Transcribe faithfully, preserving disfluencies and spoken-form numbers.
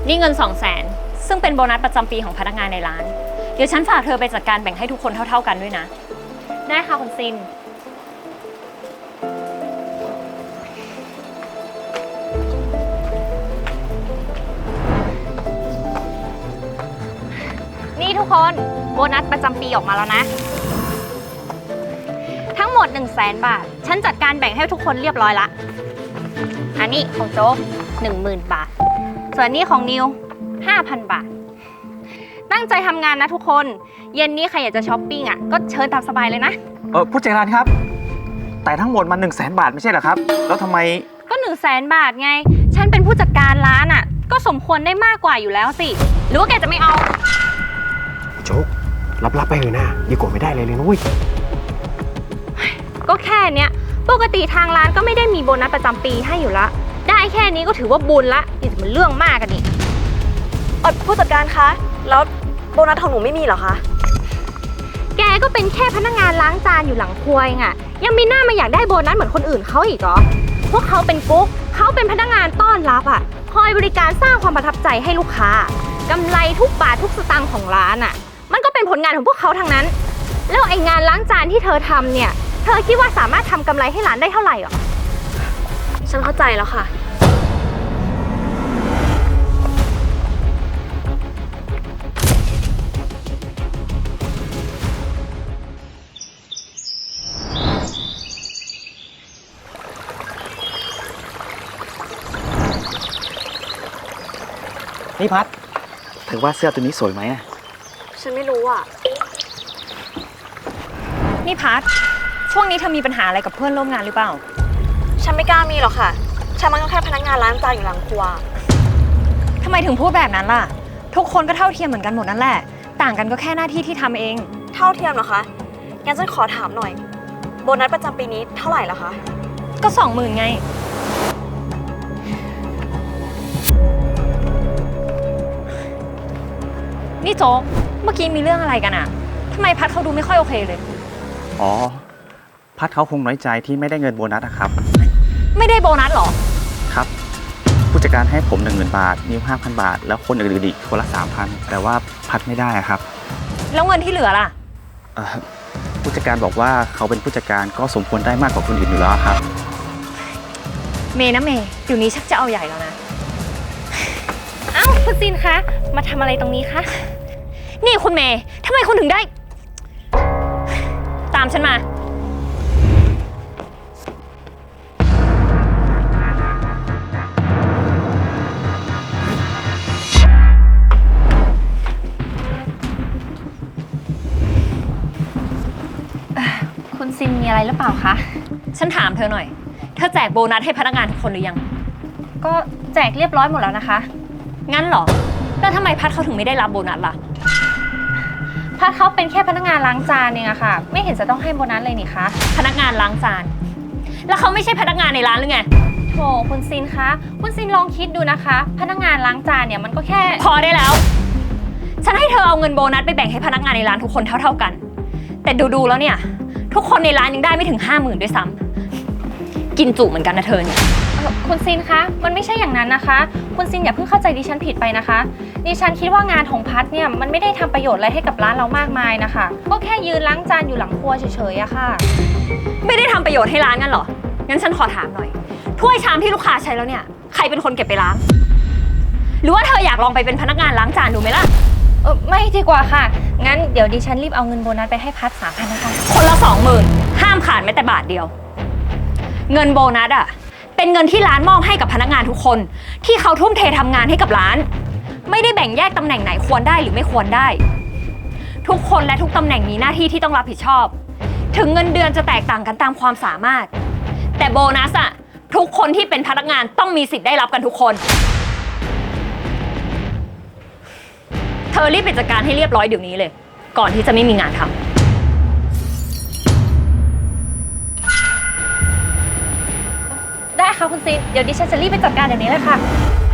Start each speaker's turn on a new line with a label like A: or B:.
A: นี่เงินสองแสนซึ่งเป็นโบนัสประจำปีของพนักงานในร้านเดี๋ยวฉันฝากเธอไปจัดการแบ่งให้ทุกคนเท่าๆกันด้วยนะได้ค่ะคุณซินนี่ทุกคนโบนัสประจำปีออกมาแล้วนะทั้งหมด หนึ่งแสน บาทฉันจัดการแบ่งให้ทุกคนเรียบร้อยละอันนี้ของโจ๊ก หนึ่งหมื่น บาทส่วนนี้ของนิว ห้าพัน บาทตั้งใจทำงานนะทุกคนเย็นนี้ใครอยากจะช้อปปิ้งอ่ะก็เชิญตามสบายเลยนะ
B: เออผู้จัดการครับแต่ทั้งหมดมันหนึ่งแสนบาทไม่ใช่เหรอครับแล้วทำไม
A: ก็ หนึ่งแสน บาทไงฉันเป็นผู้จัดการร้านอ่ะก็สมควรได้มากกว่าอยู่แล้วสิหรือว่าแกจะไม่เอา
C: โจ๊กรับๆไปเลยนะดีกว่าไม่ได้เลยเลยนุ้ย
A: ก็แค่เนี้ยปกติทางร้านก็ไม่ได้มีโบนัสประจำปีให้อยู่ละได้แค่นี้ก็ถือว่าบุญละนี่จะเป็นเรื่องมากกันนี่
D: เออผู้จัดการคะแล้วโบนัสของหนูไม่มีเหรอคะ
A: แกก็เป็นแค่พนักงานล้างจานอยู่หลังครัวเองอะยังมีหน้ามาอยากได้โบนัสเหมือนคนอื่นเขาอีกเหรอพวกเขาเป็นกุ๊กเขาเป็นพนักงานต้อนรับอะคอยบริการสร้างความประทับใจให้ลูกค้ากำไรทุกบาททุกสตางค์ของร้านอะมันก็เป็นผลงานของพวกเขาทั้งนั้นแล้วไอ้งานล้างจานที่เธอทำเนี่ยเธอคิดว่าสามารถทำกำไรให้ร้านได้เท่าไหร่หรอ
D: ฉันเข้าใจแล้วค่ะ
B: นี่พัดเธอว่าเสื้อตัวนี้สวยไหมอะ
D: ฉันไม่รู้อ่ะ
A: นี่พัดช่วงนี้เธอมีปัญหาอะไรกับเพื่อนร่วมงานหรือเปล่า
D: ฉันไม่กล้ามีหรอกค่ะฉันมันก็แค่พนักงานล้างจานอยู่หลังครัว
A: ทำไมถึงพูดแบบนั้นล่ะทุกคนก็เท่าเทียมเหมือนกันหมดนั่นแหละต่างกันก็แค่หน้าที่ที่ทำเอง
D: เท่าเทียมเหรอคะงั้นฉันขอถามหน่อยโบนัสประจำปีนี้เท่าไหร่ล่ะคะ
A: ก็สองหมื่นไงนี่โจ๊กเมื่อกี้มีเรื่องอะไรกันอะทำไมพัดเขาดูไม่ค่อยโอเคเลย
B: อ๋อพัดเขาคงน้อยใจที่ไม่ได้เงินโบนัสนะครับ
A: ไม่ได้โบนัสหรอ
B: ครับผู้จัดการให้ผมหนึ่งหมื่นบาทนิวห้าพันบาทแล้วคนอื่นๆอีกคนละสามพันแต่ว่าพัดไม่ได้ครับ
A: แล้วเงินที่เหลือล่ะ
B: ผู้จัดการบอกว่าเขาเป็นผู้จัดการก็สมควรได้มากกว่าคนอื่นอยู่แล้วครับ
A: เมย์นะเมย์เดี๋ยวนี้ชักจะเอาใหญ่แล้วนะเอ้าคุณซินคะมาทำอะไรตรงนี้คะนี่คุณเมย์ทำไมคุณถึงได้ตามฉันมาคุณซินมีอะไรหรือเปล่าคะฉันถามเธอหน่อยเธอแจกโบนัสให้พนักงานทุกคนหรือยังก็แจกเรียบร้อยหมดแล้วนะคะงั้นเหรอแล้วทำไมพัดเขาถึงไม่ได้รับโบนัสล่ะพัดเขาเป็นแค่พนักงานล้างจานเองอะค่ะไม่เห็นจะต้องให้โบนัสเลยนี่คะพนักงานล้างจานแล้วเขาไม่ใช่พนักงานในร้านหรือไงโถคุณซินคะคุณซินลองคิดดูนะคะพนักงานล้างจานเนี่ยมันก็แค่พอได้แล้วฉันให้เธอเอาเงินโบนัสไปแบ่งให้พนักงานในร้านทุกคนเท่าๆกันแต่ดูๆแล้วเนี่ยทุกคนในร้านยังได้ไม่ถึงห้าหมื่นด้วยซ้ำกินจุเหมือนกันนะเธอเนี่ยคุณซินคะมันไม่ใช่อย่างนั้นนะคะคุณซินอย่าเพิ่งเข้าใจดิฉันผิดไปนะคะดิฉันคิดว่างานของพัดเนี่ยมันไม่ได้ทำประโยชน์อะไรให้กับร้านเรามากมายนะคะก็แค่ยืนล้างจานอยู่หลังครัวเฉยๆอะค่ะไม่ได้ทำประโยชน์ให้ร้านงั้นหรองั้นฉันขอถามหน่อยถ้วยชามที่ลูกค้าใช้แล้วเนี่ยใครเป็นคนเก็บไปล้างหรือว่าเธออยากลองไปเป็นพนักงานล้างจานดูไหมล่ะเออไม่ดีกว่าค่ะงั้นเดี๋ยวดิฉันรีบเอาเงินโบนัสไปให้พัดสามพันนะคะคนละสองหมื่นห้ามขาดแม้แต่บาทเดียวเงินโบนัสอะเป็นเงินที่ร้านมอบให้กับพนักงานทุกคนที่เขาทุ่มเททำงานให้กับร้านไม่ได้แบ่งแยกตำแหน่งไหนควรได้หรือไม่ควรได้ทุกคนและทุกตำแหน่งมีหน้าที่ที่ต้องรับผิดชอบถึงเงินเดือนจะแตกต่างกันตามความสามารถแต่โบนัสอะทุกคนที่เป็นพนักงานต้องมีสิทธิ์ได้รับกันทุกคนเธอรีบไปจัดการให้เรียบร้อยเดี๋ยวนี้เลยก่อนที่จะไม่มีงานทำได้ค่ะคุณซินเดี๋ยวดิฉันจะรีบไปจัดการเดี๋ยวนี้เลยค่ะ